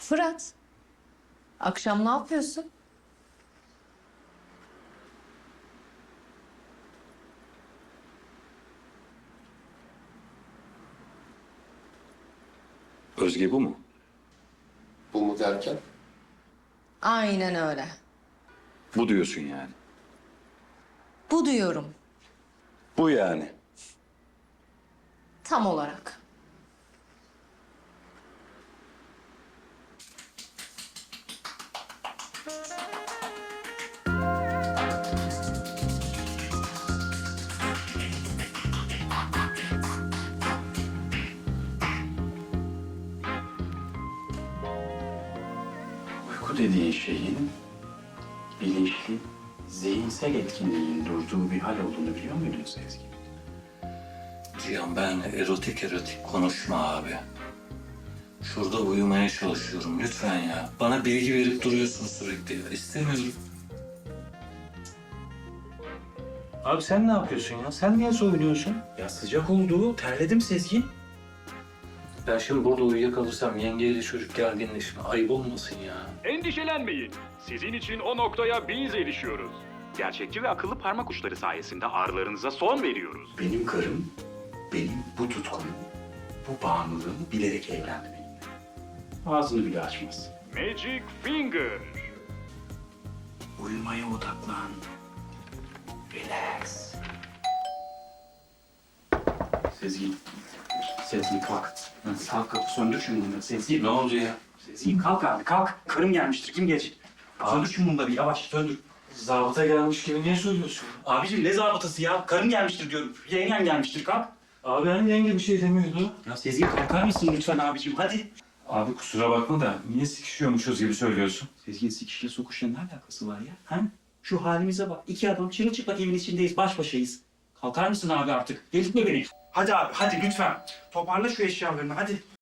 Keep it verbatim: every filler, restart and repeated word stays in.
Fırat, akşam ne yapıyorsun? Özge bu mu? Bu mu derken? Aynen öyle. Bu diyorsun yani. Bu diyorum, Bu yani. tam olarak. Uyku dediğin şeyin bilinçli, zihinsel etkinliğin durduğu bir hal olduğunu biliyor muydun Sezgi? Cihan benle erotik erotik konuşma abi. Şurada uyumaya çalışıyorum lütfen ya. Bana bilgi verip duruyorsun sürekli ya. İstemiyorum. Abi sen ne yapıyorsun ya? Sen niye soyunuyorsun? Ya sıcak oldu, terledim Sezgi. Ben şimdi burada uyuyakalırsam yengeyle çocuk gerginleşme. Ayıp olmasın ya. Endişelenmeyin. Sizin için o noktaya biz erişiyoruz. Gerçekçi ve akıllı parmak uçları sayesinde ağrılarınıza son veriyoruz. Benim karım, benim bu tutkumu, bu bağımlılığımı bilerek evlendi benimle. Ağzını bile açmaz. Magic Finger. Uyumaya odaklan. Relax. Sezgi. Sezgi kalk. Kalk kapı söndür şu mumları. Sezgi Ne oldu ya? Sezgi kalk abi kalk. Karım gelmiştir kim gelecek? Söndür şu mumları yavaş söndür. Zabıta gelmiş gibi niye söylüyorsun? Abicim ne zabıtası ya? Karım gelmiştir diyorum. Yengen gelmiştir kalk. Abi hani yenge bir şey demiyordu. Ya Sezgi kalkar mısın lütfen abicim hadi. Abi kusura bakma da niye sikişiyormuşuz gibi söylüyorsun? Sezgi'nin sikişle sokuşla ne alakası var ya? Ha? Şu halimize bak. İki adam çırılçıplak evin içindeyiz. Baş başayız. Kalkar mısın abi artık? Delirtme beni. Hadi abi hadi lütfen. Toparla şu eşyalarını hadi.